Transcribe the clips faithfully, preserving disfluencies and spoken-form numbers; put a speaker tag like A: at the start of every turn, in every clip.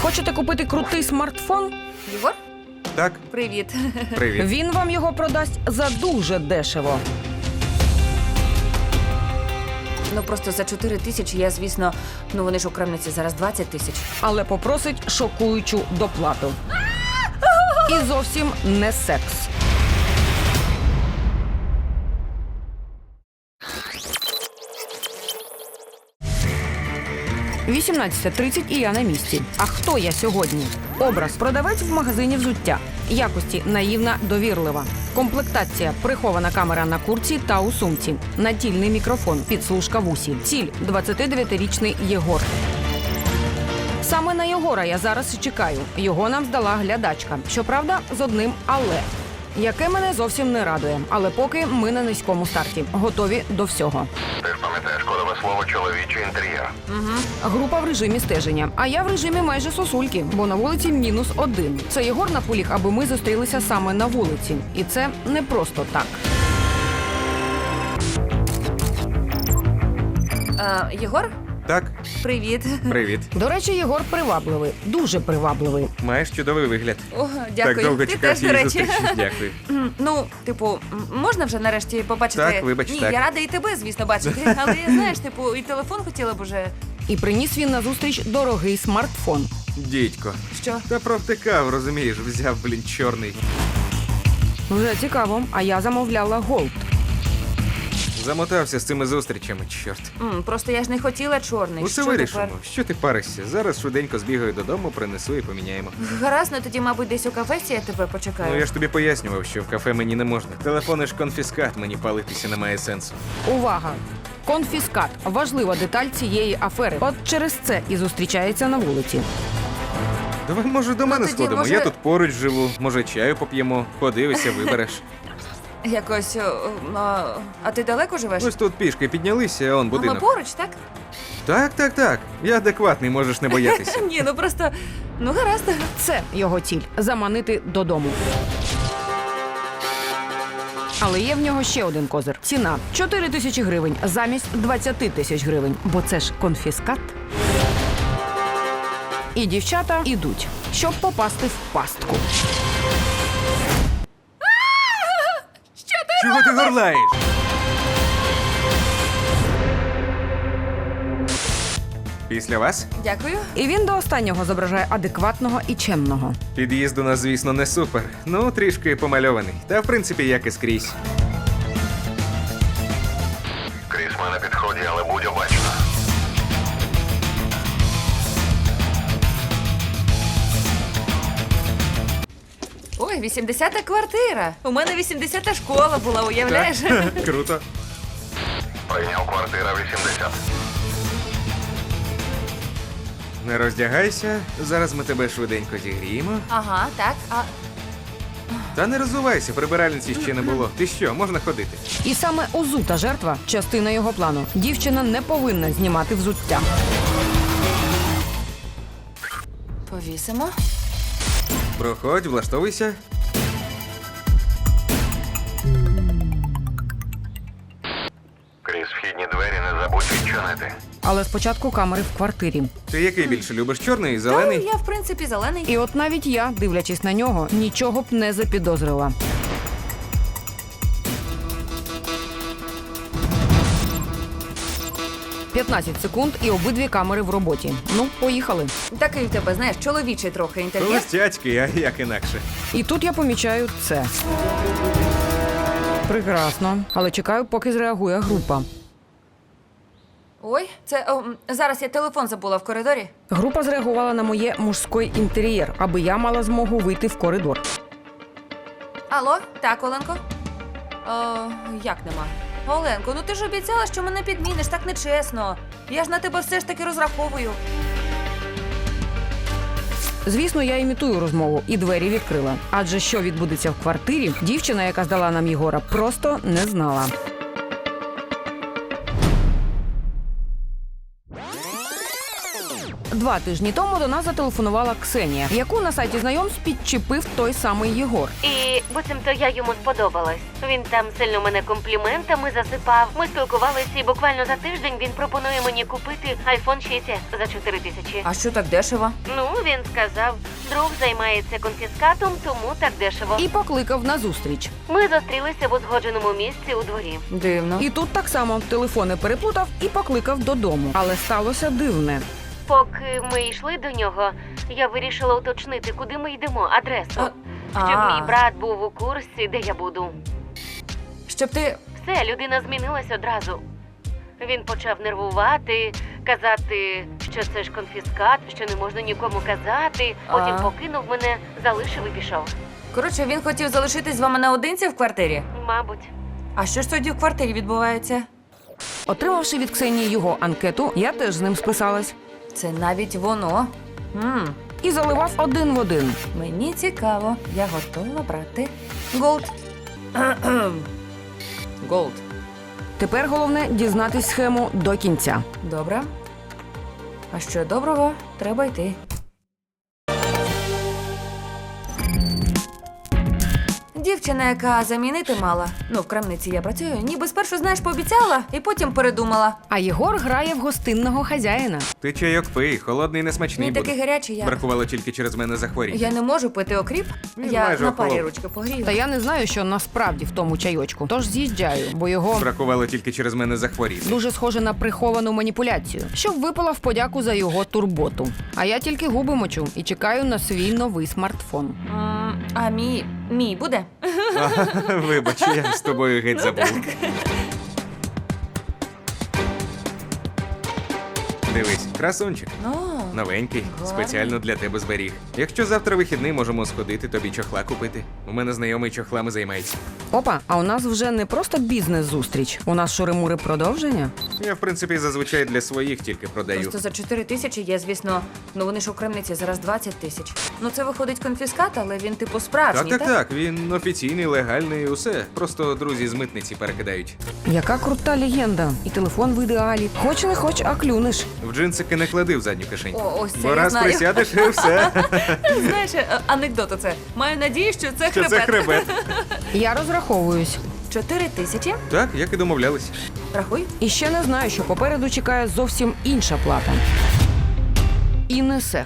A: Хочете купити крутий смартфон?
B: Єгор?
C: Так,
B: Привіт.
C: привіт.
A: Він вам його продасть за дуже дешево.
B: Ну просто за чотири тисячі я, звісно, ну вони ж у крамниці зараз двадцять тисяч.
A: Але попросить шокуючу доплату. І зовсім не секс. вісімнадцята тридцять і я на місці. А хто я сьогодні? Образ продавець в магазині взуття. Якості наївна, довірлива. Комплектація прихована камера на куртці та у сумці. Натільний мікрофон, підслужка в усі. Ціль двадцятидев'ятирічний Єгор. Саме на Єгора я зараз і чекаю. Його нам здала глядачка. Щоправда, з одним «але», яке мене зовсім не радує. Але поки ми на низькому старті. Готові до всього.
D: Ти ж пам'ятаєш кодове слово «чоловічий інтер'єр».
A: Група в режимі стеження. А я в режимі майже сосульки, бо на вулиці мінус один. Це Єгор наполіг, аби ми зустрілися саме на вулиці. І це не просто так.
B: А, Єгор?
C: Так,
B: Привіт.
C: привіт.
A: До речі, Єгор привабливий. Дуже привабливий.
C: Маєш чудовий вигляд.
B: О, дякую.
C: Так довго
B: Ти
C: чекав
B: теж, до
C: цієї
B: речі.
C: зустрічі. Дякую.
B: М, Ну, типу, м, можна вже нарешті побачити?
C: Так, вибач,
B: Ні,
C: так.
B: я рада і тебе, звісно, бачити. Але, знаєш, типу, і телефон хотіла б уже.
A: І приніс він на зустріч дорогий смартфон.
C: Дідько.
B: Що?
C: Та провтикав, розумієш, взяв, блін, чорний.
A: Вже цікаво, а я замовляла голд.
C: Замотався з цими зустрічами, чорт.
B: М, Просто я ж не хотіла чорний.
C: Усе
B: Що
C: вирішимо.
B: тепер?
C: Що ти паришся? Зараз швиденько збігаю додому, принесу і поміняємо.
B: Гаразд, ну тоді, мабуть, десь у кафесі я тебе почекаю.
C: Ну я ж тобі пояснював, що в кафе мені не можна. Телефони ж конфіскат, мені палитися немає сенсу.
A: Увага! Конфіскат – важлива деталь цієї афери. От через це і зустрічається на вулиці.
C: Давай, може, до мене
B: тоді,
C: сходимо.
B: може-
C: Я тут поруч живу, може, чаю поп'ємо, подивися, вибереш.
B: Якось. о, А, а ти далеко живеш?
C: Ось тут пішки піднялися, а он
B: А ми
C: будинок.
B: поруч, так?
C: Так, так, так. Я адекватний, можеш не боятися.
B: Ні, ну просто. Ну, гаразд.
A: Це його ціль – заманити додому. Але є в нього ще один козир. Ціна – чотири тисячі гривень замість двадцять тисяч гривень. Бо це ж конфіскат. І дівчата ідуть, щоб попасти в пастку.
C: Чого ти горлаєш? Після вас?
B: Дякую.
A: І він до останнього зображає адекватного і чемного.
C: Під'їзд у нас, звісно, не супер. Ну, трішки помальований. Та, в принципі, як і скрізь.
D: Кріс, ми на підході, але будь обачна.
B: Ой, вісімдесята квартира. У мене вісімдесята школа була, уявляєш?
C: Так, круто.
D: Прийняв квартира вісімдесят.
C: Не роздягайся, зараз ми тебе швиденько зігріємо.
B: Ага, так. А
C: Та не розувайся, прибиральниці ще не було. Ти що, можна ходити?
A: І саме узута жертва – частина його плану. Дівчина не повинна знімати взуття.
B: повісимо.
C: Проходь, влаштовуйся.
D: Кріс, вхідні двері не забудь відчинити.
A: Але спочатку камери в квартирі.
C: Ти який більше любиш, чорний,
B: Та,
C: зелений?
B: я, в принципі, зелений.
A: І от навіть я, дивлячись на нього, нічого б не запідозрила. п'ятнадцять секунд і обидві камери в роботі. Ну, поїхали.
B: Такий в тебе, знаєш, чоловічий трохи інтер'єр.
C: Холостячки, а як інакше.
A: І тут я помічаю це. Прекрасно. Але чекаю, поки зреагує група.
B: Ой, це о, м, зараз я телефон забула в коридорі.
A: Група зреагувала на моє мужський інтер'єр, аби я мала змогу вийти в коридор.
B: Алло, так, Оленко? О, як нема? Оленко, ну ти ж обіцяла, що мене підміниш, так нечесно. Я ж на тебе все ж таки розраховую.
A: Звісно, я імітую розмову і двері відкрила. Адже що відбудеться в квартирі, дівчина, яка здала нам Єгора, просто не знала. Два тижні тому до нас зателефонувала Ксенія, яку на сайті знайомств підчепив той самий Єгор.
E: І буцімто я йому сподобалась. Він там сильно мене компліментами засипав. Ми спілкувалися, і буквально за тиждень він пропонує мені купити айфон шість ес за чотири тисячі.
B: А що так дешево?
E: Ну, він сказав, друг займається конфіскатом, тому так дешево.
A: І покликав на зустріч.
E: Ми зустрілися в узгодженому місці у дворі.
B: Дивно.
A: І тут так само телефони переплутав і покликав додому. Але сталося дивне.
E: Поки ми йшли до нього, я вирішила уточнити, куди ми йдемо, адресу.
B: А,
E: Щоб
B: а.
E: мій брат був у курсі, де я буду.
B: Щоб ти...
E: Все, людина змінилась одразу. Він почав нервувати, казати, що це ж конфіскат, що не можна нікому казати. Потім
B: А.
E: покинув мене, залишив і пішов.
B: Коротше, він хотів залишитись з вами наодинці в квартирі?
E: Мабуть.
B: А що ж тоді в квартирі відбувається?
A: Отримавши від Ксенії його анкету, я теж з ним списалась.
B: Це навіть воно. М,
A: І заливав один в один.
B: Мені цікаво. Я готова брати. Голд. Кхе-кхем. Голд.
A: Тепер головне дізнатись схему до кінця.
B: Добре. А що доброго, треба йти. Дівчина, яка замінити мала, ну в крамниці я працюю, ніби спершу, знаєш, пообіцяла і потім передумала.
A: А Єгор грає в гостинного хазяїна.
C: Ти чайок пий, холодний несмачний
B: Він
C: буде.
B: такий гарячий, я.
C: Бракувало тільки через мене захворіти.
B: Я не можу пити окріп.
C: Він
B: Я
C: майже
B: на парі
C: охолов.
B: ручки погрію.
A: Та я не знаю, що насправді в тому чайочку. Тож з'їжджаю, бо його
C: Бракувало тільки через мене захворіти.
A: дуже схоже на приховану маніпуляцію, щоб випала в подяку за його турботу. А я тільки губи мочу і чекаю на свій новий смартфон.
B: М, А мій, мій буде?
C: Вибач, я з тобою геть забув. Дивись, красунчик.
B: Ну,
C: Новенький,
B: Гарно.
C: спеціально для тебе зберіг. Якщо завтра вихідний, можемо сходити, тобі чохла купити. У мене знайомий чохлами займається.
A: Опа, а у нас вже не просто бізнес-зустріч. У нас шури-мури продовження.
C: Я, в принципі, зазвичай для своїх тільки продаю.
B: просто за чотири тисячі є, звісно, ну вони ж у крамниці зараз двадцять тисяч. Ну це виходить конфіскат, але він типу
C: Так,
B: справжній,
C: так, так. Він офіційний, легальний, усе. Просто друзі з митниці перекидають.
A: Яка крута легенда. І телефон в ідеалі. Хоч не хоч, а клюнеш.
C: В джинсики не клади в задню кишень.
B: О, ось це
C: Бо
B: я
C: раз
B: знаю.
C: присядеш і все.
B: Знаєш, е, анекдот оце. Маю надію, що це
C: Що
B: хребет.
C: це хребет.
A: Я розраховуюсь.
B: Чотири тисячі?
C: Так, як і домовлялись.
B: Рахуй.
A: І ще не знаю, що попереду чекає зовсім інша плата. І не секс.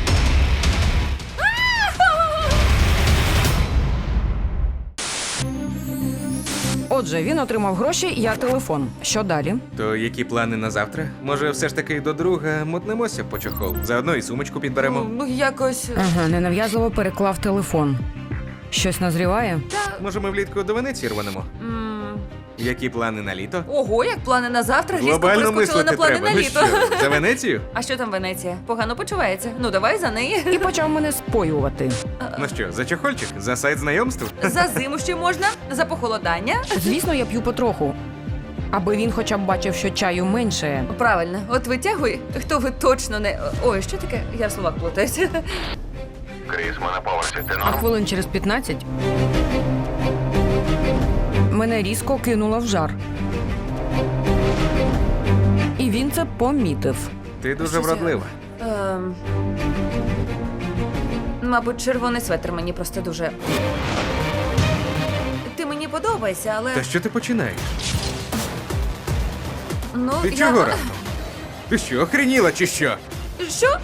A: Отже, він отримав гроші, я телефон. Що далі?
C: То які плани на завтра? Може, все ж таки до друга мотнемося по чохол? Заодно і сумочку підберемо.
B: Ну, ну якось.
A: Ага, ненав'язливо переклав телефон. Щось назріває?
C: Може, ми влітку до Венеції рванемо?
B: М,
C: Які плани на літо?
B: Ого, як плани на завтра, різко
C: Глобально
B: перескочили на
C: мислити
B: плани
C: треба.
B: на
C: Ну
B: літо.
C: що, за Венецію?
B: А що там Венеція? Погано почувається. Ну давай за неї.
A: І почав мене споювати.
C: Ну що, за чохольчик? За сайт знайомств?
B: За зиму ще можна, за похолодання.
A: Звісно, я п'ю потроху. Аби він хоча б бачив, що чаю менше.
B: Правильно, от витягуй, хто ви точно не. Ой, що таке? Я в словах плутаюся.
D: Кріс, ми на поверсі. Ти
A: А
D: норм?
A: хвилин через п'ятнадцять мене різко кинуло в жар. І він це помітив.
C: Ти дуже
B: Щось я-
C: вродлива.
B: Ем... Мабуть, червоний светр мені просто дуже. Ти мені подобаєшся, але.
C: Та що ти починаєш?
B: Ну,
C: Ти
B: я...
C: чого раптом? Ти що, охреніла чи що?
B: Що?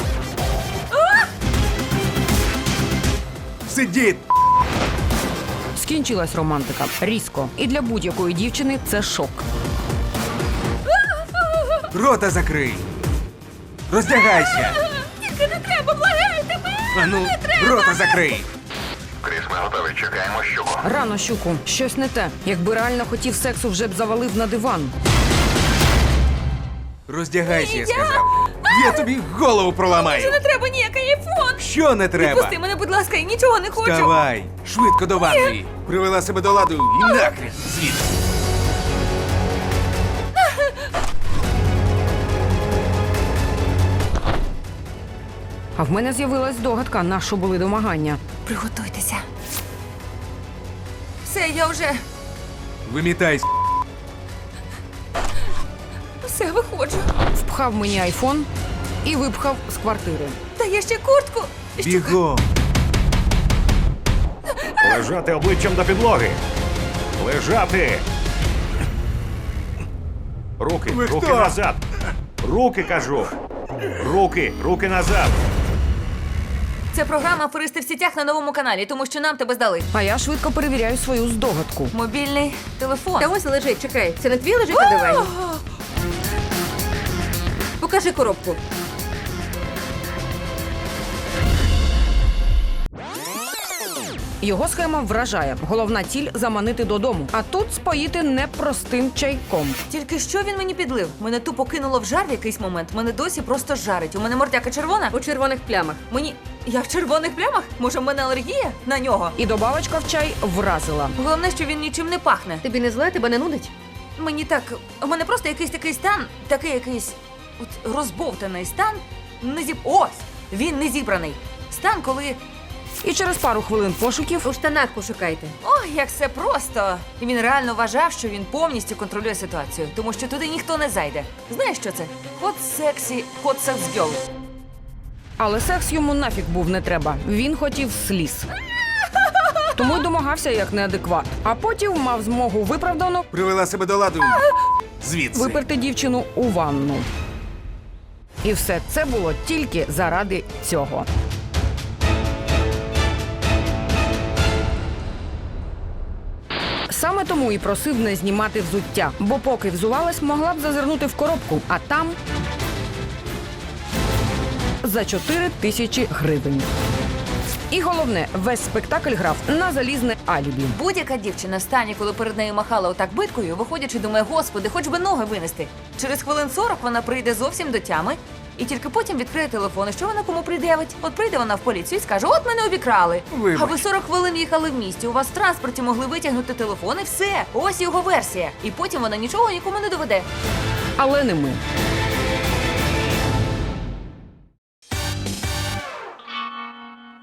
C: Сидіть!
A: Скінчилась романтика. Різко. І для будь-якої дівчини це шок.
C: Рота закрий! Роздягайся!
B: Тільки не треба, благаю тебе!
C: А ну, рота закрий!
D: Кріс, ми готові. Чекаємо щуку.
A: Рано, щуку. Щось не те. Якби реально хотів сексу, вже б завалив на диван.
C: Роздягайся, я сказав. Я тобі голову проламаю.
B: Не треба ніякий айфон!
C: Що не треба?
B: Відпусти мене, будь ласка, я нічого не хочу!
C: Вставай! Швидко до ванної! Привела себе до ладу і нахрен звідси!
A: А в мене з'явилась догадка, на що були домагання.
B: Приготуйтеся. Все, я вже
C: Вимітайся!
B: все виходжу.
A: Впхав мені айфон і випхав з квартири.
B: Та є ще куртку. Що?
F: Бігом!
G: Лежати обличчям до підлоги. Лежати. Руки,
F: Ви
G: руки
F: хто?
G: назад. Руки, кажу. Руки, руки назад.
B: Це програма «Аферисти в сітях» на новому каналі, тому що нам тебе здали.
A: А я швидко перевіряю свою здогадку.
B: Мобільний телефон.
H: Та ось лежить, чекай. Це не твій лежить на дивані? Покажи коробку.
A: Його схема вражає. Головна ціль заманити додому. А тут споїти непростим чайком.
B: Тільки що він мені підлив? Мене тупо кинуло в жар в якийсь момент. Мене досі просто жарить. У мене мордяка червона.
H: У червоних плямах.
B: Мені. Я в червоних плямах? Може, в мене алергія на нього?
A: І добавочка в чай вразила.
B: Головне, що він нічим не пахне.
H: Тобі не зле, тебе не нудить?
B: Мені так. У мене просто якийсь такий стан, такий якийсь от розбовтаний стан. Не зіб... Ось! Він не зібраний. Стан, коли.
A: І через пару хвилин пошуків
H: У штанах пошукайте.
B: Ой, як все просто. І він реально вважав, що він повністю контролює ситуацію, тому що туди ніхто не зайде. Знаєш, що це? Hot sexy, hot sex girl.
A: Але секс йому нафіг був не треба. Він хотів сліз. Тому й домагався як неадекват. А потім мав змогу виправдано
F: Привела себе до ладу. Звідси.
A: виперти дівчину у ванну. І все це було тільки заради цього. Саме тому і просив не знімати взуття, бо поки взувалась, могла б зазирнути в коробку, а там за чотири тисячі гривень. І головне, весь спектакль грав на залізне алібі.
B: Будь-яка дівчина в стані, коли перед нею махала отак биткою, виходячи, думає, господи, хоч би ноги винести. Через хвилин сорок вона прийде зовсім до тями, і тільки потім відкриє телефон. І що вона кому пред'явить? От прийде вона в поліцію і скаже, от мене обікрали.
F: Вибач.
B: А ви сорок хвилин їхали в місті, у вас в транспорті могли витягнути телефон і все. Ось його версія. І потім вона нічого нікому не доведе.
A: Але не ми.